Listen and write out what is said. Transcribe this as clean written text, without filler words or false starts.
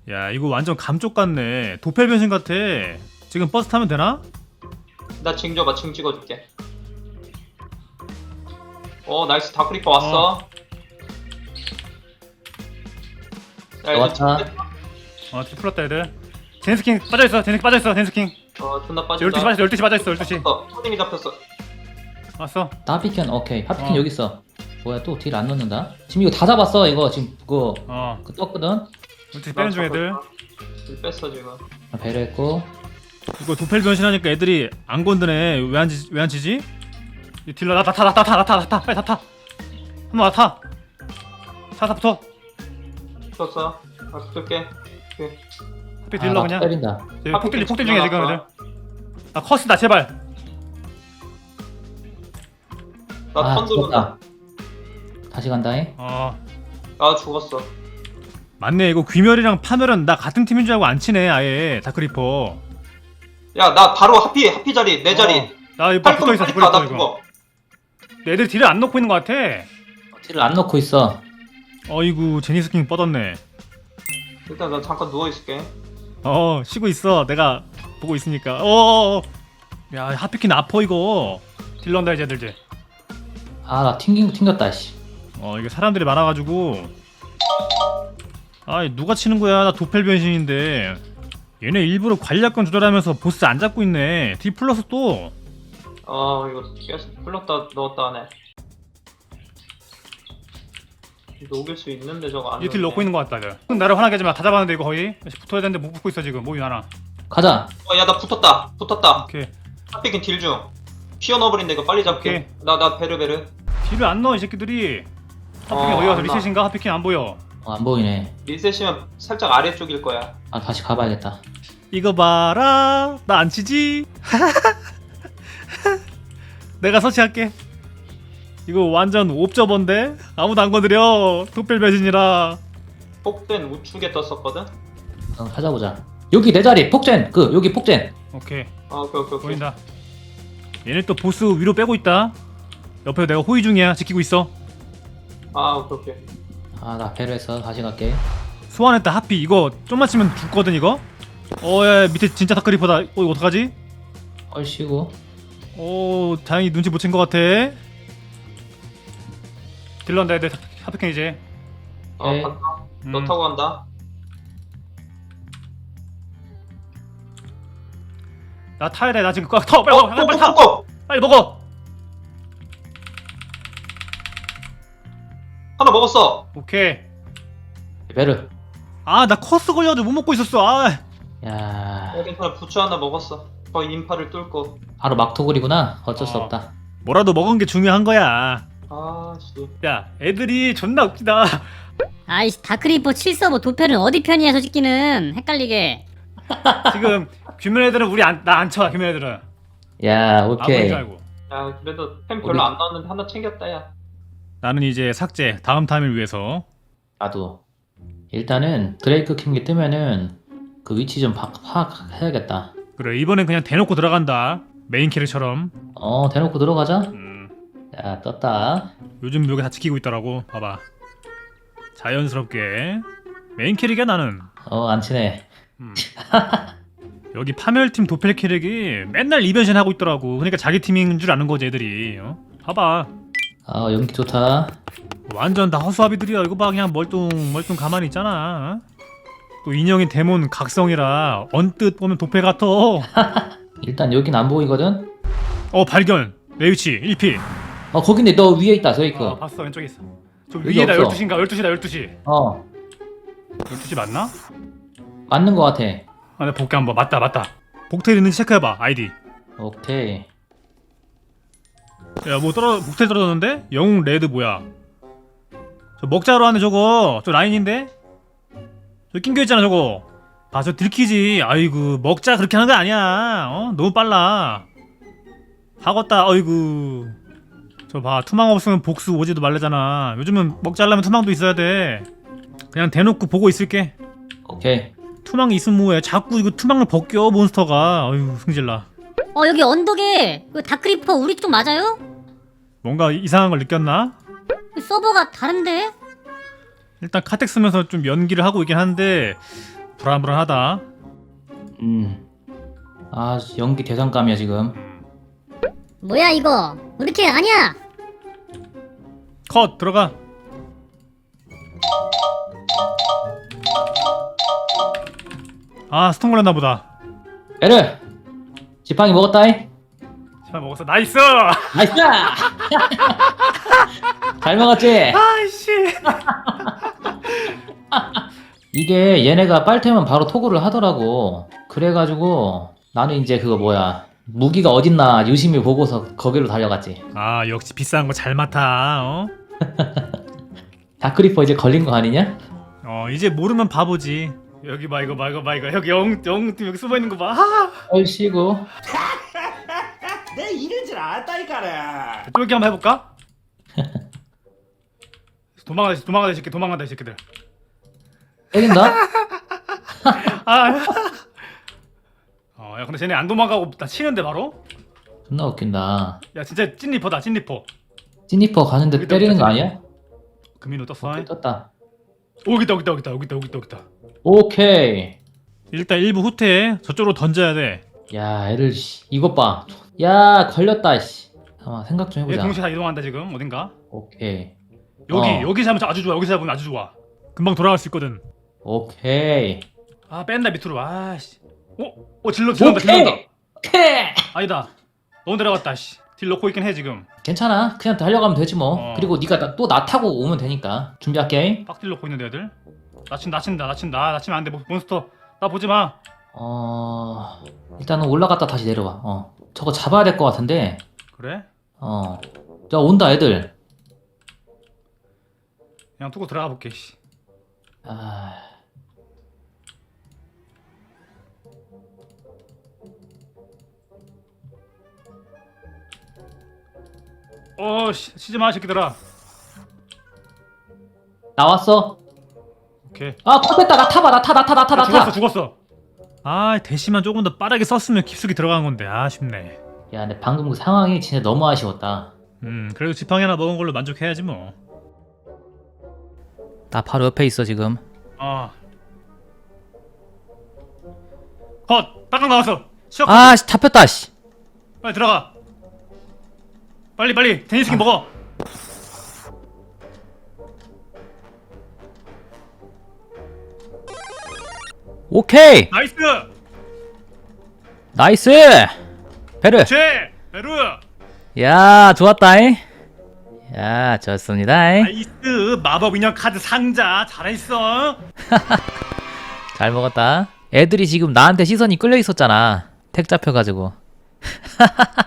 야 이거 완전 감쪽 같네. 도펠 변신 같아. 지금 버스 타면 되나? 나 징 줘봐. 징 찍어줄게. 나이스. 다크리퍼 왔어. 야, 이제 왔다. 풀었다 애들. 제네스킹 빠져있어. 제네스킹 빠져있어. 제네스킹 존나 12시 빠진다. 빠져있어. 12시 빠져있어. 12시 초딩이 잡혔어. 왔어. 하피켄 오케이. 하피켄 여기 있어. 뭐야 또 딜 안 넣는다. 지금 이거 다 잡았어. 이거 지금 그거 그 떴거든. 12시 빼는 중 애들. 일 뺐어 지금. 배려했고. 이거 도펠 변신하니까 애들이 안 건드네. 왜 안 치지? 이 딜러 나 타. 빨리 다 타. 한번 나 타. 차 붙어. 쳤어. 붙을게. 하필 딜러 그냥. 때린다. 폭딜 중에 지금 애들. 아 커스다 제발. 나 턴 들어온다. 다시 간다잉. 나 죽었어. 맞네. 이거 귀멸이랑 파멸은 나 같은 팀인 줄 알고 안 치네. 아예 다크리퍼. 야, 나 바로 하피 자리, 내 자리. 나 이거 붙어 있어. 나 다크리퍼 이거. 죽어. 애들 딜을 안 넣고 있는 것 같아. 딜을 안 넣고 있어. 어이구 제니스킹 뻗었네. 일단 나 잠깐 누워 있을게. 쉬고 있어. 내가 보고 있으니까. 야 하피킨 아퍼 이거. 딜러 온다 이제 애들 이제. 아 나 튕겼다 씨. 이게 사람들이 많아가지고. 누가 치는 거야? 나 도펠 변신인데. 얘네 일부러 관리약권 조절하면서 보스 안 잡고 있네. D 플러스 또. 이거 계속 풀렸다 넣었다 하네. 녹일 수 있는데 저거 안. 얘딜 넣고 있는 것 같다. 이제. 나를 화나게 하지 마. 다 잡았는데 이거 거의. 붙어야 되는데 못 붙고 있어 지금. 몸이 많아. 가자. 야, 나 붙었다. 오케이. 하피긴 딜 중. 피어 넣어버린다 이거 빨리 잡게. 나 베르. 딜을 안 넣어 이 새끼들이. 하피킨 어디 가서 리셋인가? 하피킨 안 보여. 안 보이네. 리셋이면 살짝 아래쪽일 거야. 아 다시 가봐야겠다. 이거 봐라. 나 안 치지? 내가 서치할게. 이거 완전 옵저버인데? 아무도 안 건드려. 도펠 변신이라. 폭된 우측에 떴었거든. 찾아보자. 여기 내 자리 폭젠. 여기 폭젠. 오케이. 오케이. 보인다. 얘네 또 보스 위로 빼고 있다. 옆에 내가 호위 중이야. 지키고 있어. 오케이. 아 나 배려해서 다시 갈게. 소환했다. 하피 이거 좀만 치면 죽거든 이거. 야, 밑에 진짜 다크리퍼다. 이거 어떡하지? 얼씨구. 다행히 눈치 못 챈 것 같아. 딜런다 애들. 하피캔 이제. 네. 간다. 너 타고 간다. 나 타야 돼. 나 지금 빨리 타. 빨리 타. 고! 빨리 먹어. 하나 먹었어. 오케이. 배려. 나 커스 걸려도 못 먹고 있었어. 야 괜찮아. 부추 하나 먹었어. 거의 인파를 뚫고. 바로 막토글이구나. 어쩔 수 어. 없다. 뭐라도 먹은 게 중요한 거야. 씨. 야, 애들이 존나 웃기다. 아이씨 다크리퍼 7서버 도펠은 어디 편이야 솔직히는 헷갈리게. 지금 귀멸 애들은 나 안 쳐. 귀멸 애들은. 야 아무인 오케이. 줄 알고. 야, 그래도 템 별로 안 나왔는데 하나 챙겼다 야. 나는 이제 삭제. 다음 타임을 위해서. 나도. 일단은 드레이크 킹기 뜨면은 그 위치 좀 파악해야겠다. 그래, 이번엔 그냥 대놓고 들어간다. 메인 캐릭처럼. 대놓고 들어가자. 야 떴다. 요즘 여기 다 지키고 있더라고. 봐봐. 자연스럽게. 메인 캐릭이야 나는. 안 치네. 여기 파멸팀 도펠 캐릭이 맨날 이변신 하고 있더라고. 그러니까 자기 팀인 줄 아는 거지 애들이. 봐봐. 연기 좋다. 완전 다 허수아비들이야. 이거 봐. 그냥 멀뚱 가만히 있잖아. 또 인형이 데몬 각성이라 언뜻 보면 도펠 같아. 일단 여긴 안 보이거든. 발견. 내 위치 1피. 거긴데 너 위에 있다 드레이크. 봤어. 왼쪽에 있어. 저 여기 위에다 없어. 12시인가? 12시다 12시. 12시 맞나? 맞는 거 같아. 내가 볼게 한번. 맞다. 복텔 있는지 체크해봐. 아이디. 오케이. 야, 복텔 떨어졌는데? 영웅 레드 뭐야? 저 먹자로 하는 저거. 저 라인인데? 저 낑겨있잖아 저거. 저 들키지. 아이고 먹자 그렇게 하는 거 아니야. 너무 빨라. 하겄다. 아이고. 저 봐. 투망 없으면 복수 오지도 말래잖아. 요즘은 먹자 하려면 투망도 있어야 돼. 그냥 대놓고 보고 있을게. 오케이. 투망이 있으면 뭐해. 자꾸 이거 투망을 벗겨 몬스터가. 아유 승질나. 여기 언덕에 그 다크리퍼 우리 쪽 맞아요? 뭔가 이상한 걸 느꼈나? 서버가 다른데? 일단 카텍 쓰면서 좀 연기를 하고 있긴 한데 불안불안하다. 아 연기 대상감이야 지금. 뭐야 이거? 우리캐 아니야? 컷 들어가. 아 스톤 걸렸나 보다. 에르 지팡이 먹었다이. 잘 먹었어. 나이스. 나이스. 잘 먹었지. 아이씨. 이게 얘네가 빨테면 바로 토구를 하더라고. 그래가지고 나는 이제 그거 뭐야 무기가 어딨나 유심히 보고서 거기로 달려갔지. 아 역시 비싼 거 잘 맡아. 어? 다크리퍼 이제 걸린 거 아니냐? 이제 모르면 바보지. 여기 봐 이거 봐 이거 봐 이거 여기 영팀 여기 숨어 있는 거 봐. 아! 얼씨구. 내 이런 줄 알았다니까라. 쫄기 한번 해볼까? 도망가다 이 새끼 도망간다 이 새끼들. 때린다? 아. 야 근데 쟤네 안 도망가고 나 치는데 바로? 존나 웃긴다. 야 진짜 찐리퍼다 찐리퍼. 찐니퍼 가는데 여기다, 때리는 거 여기다. 아니야? 금인호 떴어. 오케이, 떴다. 여기다. 오케이. 일단 1부 후퇴 저쪽으로 던져야 돼. 야 애를 씨 이것 봐. 야 걸렸다 씨. 잠깐만 생각 좀 얘 해보자. 동시에 다 이동한다 지금 어딘가. 오케이. 여기 잡으면 아주 좋아. 여기 잡으면 아주 좋아. 금방 돌아갈 수 있거든. 오케이. 아 뺀다 밑으로. 아씨. 질러온다. 오케이. 아니다. 너무 내려갔다. 씨. 딜 넣고 있긴 해 지금. 괜찮아. 그냥 달려가면 되지 뭐. 그리고 네가 또 나 타고 오면 되니까. 준비할게. 빡딜 넣고 있는데 애들. 나친다. 나치면 안 돼. 몬스터. 나 보지 마. 일단은 올라갔다 다시 내려와. 저거 잡아야 될 것 같은데. 그래? 자 온다 애들. 그냥 두고 들어가 볼게. 씨. 아. 치지 마 새끼들아. 나왔어. 오케이. 아 컷됐다. 나 타봐. 나 타. 죽었어. 아 대시만 조금 더 빠르게 썼으면 깊숙이 들어간 건데 아쉽네. 야 근데 방금 그 상황이 진짜 너무 아쉬웠다. 그래도 지팡이 하나 먹은 걸로 만족해야지 뭐. 나 바로 옆에 있어 지금. 컷! 딱강 나왔어. 시작. 아씨 잡혔다 씨. 빨리 들어가. 빨리 데니스키 먹어. 오케이. 나이스. 나이스. 베르. 베루. 야 좋았다잉. 야 좋습니다. 나이스. 마법 인형 카드 상자 잘했어. 잘 먹었다. 애들이 지금 나한테 시선이 끌려 있었잖아. 택 잡혀가지고.